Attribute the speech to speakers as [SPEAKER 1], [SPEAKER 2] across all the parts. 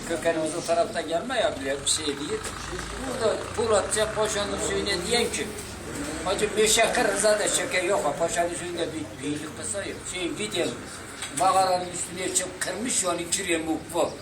[SPEAKER 1] kökenimiz o tarafta gelme ya bile bir şey değil. Burada Polatça Paşa'nın suyuna diyen ki hacı Meşakır Rıza'da şeker yok. Paşa'nın suyunda bir büyülük kısa yok. Gidelim. Mağaranın üstüne çıkıp kırmış yani ikiriye mukbu.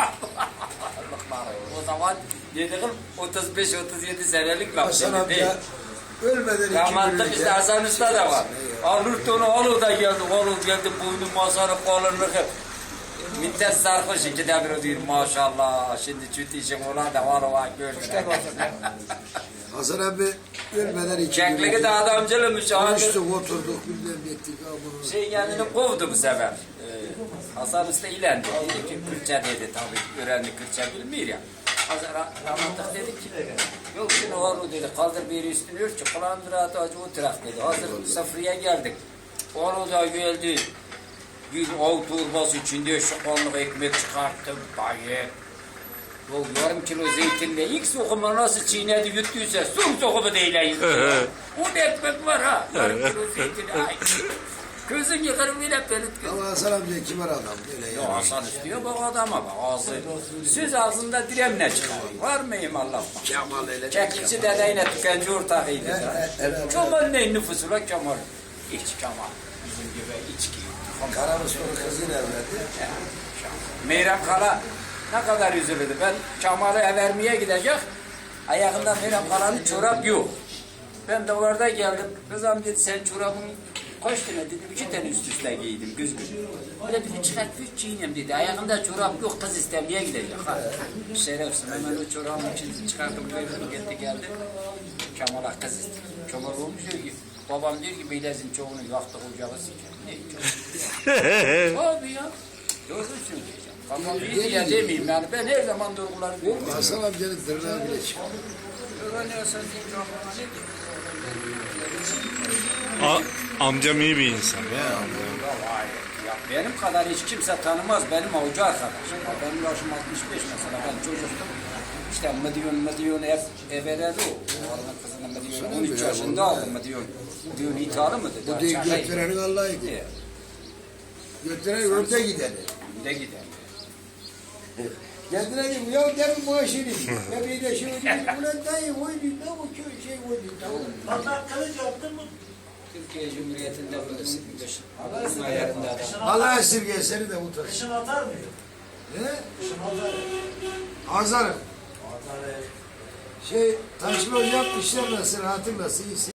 [SPEAKER 1] O zaman dediğim 35-37 senelik laf
[SPEAKER 2] Hasan
[SPEAKER 1] değil.
[SPEAKER 2] amca ölmeden iki
[SPEAKER 1] Rahmetli bizde Hasan Usta da var. Alırdı onu, oğlu da geldi, oğlu geldi, boynu masanı kolunu Mintet sarhoş iki de bir diyor maşallah. Şimdi çüt işim olan da var gördüler.
[SPEAKER 2] Hasan abi ölmeden iki
[SPEAKER 1] Çekliği de adamcılmış.
[SPEAKER 2] konuştuk, oturduk, bilmem ettik.
[SPEAKER 1] Kendini kovdu bu sefer. Hasan Usta ilendi. Dedi ki Kürtçe dedi tabii. Öğrendi Kürtçe bilmiyor ya. Rahmetli dedi ki yok şimdi oğlu dedi kaldır bir üstünü örtçü. Kulağın rahatı acı oturak dedi. Hazır safriye geldik. Oğlu da geldi. Bir av torbası içinde şokoluk ekmek çıkarttım. Dayı. O yarım kilo zeytinle ilk sokumu nasıl çiğnedi yuttuysa son sokumu değil yutuyor. O da ekmek var ha. Yarım kilo zeytin. Ay. Gözün yıkarım bile pelit gözüm.
[SPEAKER 2] Ama Hasan amca kibar adam. Böyle
[SPEAKER 1] Ya Hasan istiyor bak adama bak ağzı. Söz ağzında diremle çıkar. Var mıyım Allah?
[SPEAKER 2] Kemal öyle.
[SPEAKER 1] Çeklikçi dedeyle tükenci ortağıydı. Kemal ne nüfusu la Kemal? İç Kemal. Bizim gibi içki.
[SPEAKER 2] Karamustafa kızıyla evlendi.
[SPEAKER 1] Meyrem Kala ne kadar üzülürdü. Ben Kemal'ı vermeye gidecek. Ayağında Meyrem Kala'nın çorap yok. Ben de orada geldim. Kızım dedi sen çorabın kaç tane dedim. 2 tane üst üste giydim güz güz. Öyle dedi çıkart 3 giyinem dedi. Ayağında çorap yok kız istemeye gidecek. Ha. Şerefsin hemen o çorabın içini çıkarttım. Gitti geldi. Kemal'a kız istedim. Kemal olmuş diyor ki babam diyor ki Beylez'in çoğunu yaktı ocağı sıcak. Ne çok? Abi ya. Doğru söyleyeceğim. Tamam iyi diye demeyeyim yani ben her zaman doğruları diyorum.
[SPEAKER 2] Hasan amcanın tırnağı bile çıkıyor.
[SPEAKER 1] Öğreniyorsan diyeyim ki aklıma ne diyeyim?
[SPEAKER 3] Amcam iyi bir insan ya.
[SPEAKER 1] Ya benim kadar hiç kimse tanımaz benim hoca arkadaşım. Ya benim yaşım 65 mesela ben çocuktum. İşte Mıdyon evveledi o. Oğlanın kızının Mıdyon 13 yaşında aldı Mıdyon ithali mı dedi.
[SPEAKER 2] Bu değil götürenin Allah'ıydı. Götüren önde gideni.
[SPEAKER 1] Önde gider.
[SPEAKER 2] Kendine dedim ya demin maaşını. Ya bir de şey oldu. Ulan dayı oydu da o şey oydu da.
[SPEAKER 4] Vatan kılıç yaptın mı?
[SPEAKER 1] Türkiye Cumhuriyeti'nde bunun ayarında adam.
[SPEAKER 2] Allah esirge seni de utan.
[SPEAKER 4] Kışın atar mıydı?
[SPEAKER 2] He?
[SPEAKER 4] Kışın atar.
[SPEAKER 2] Azarım.
[SPEAKER 4] Atar.
[SPEAKER 2] Şey taşlı yapmışlar nasıl hatırlasın.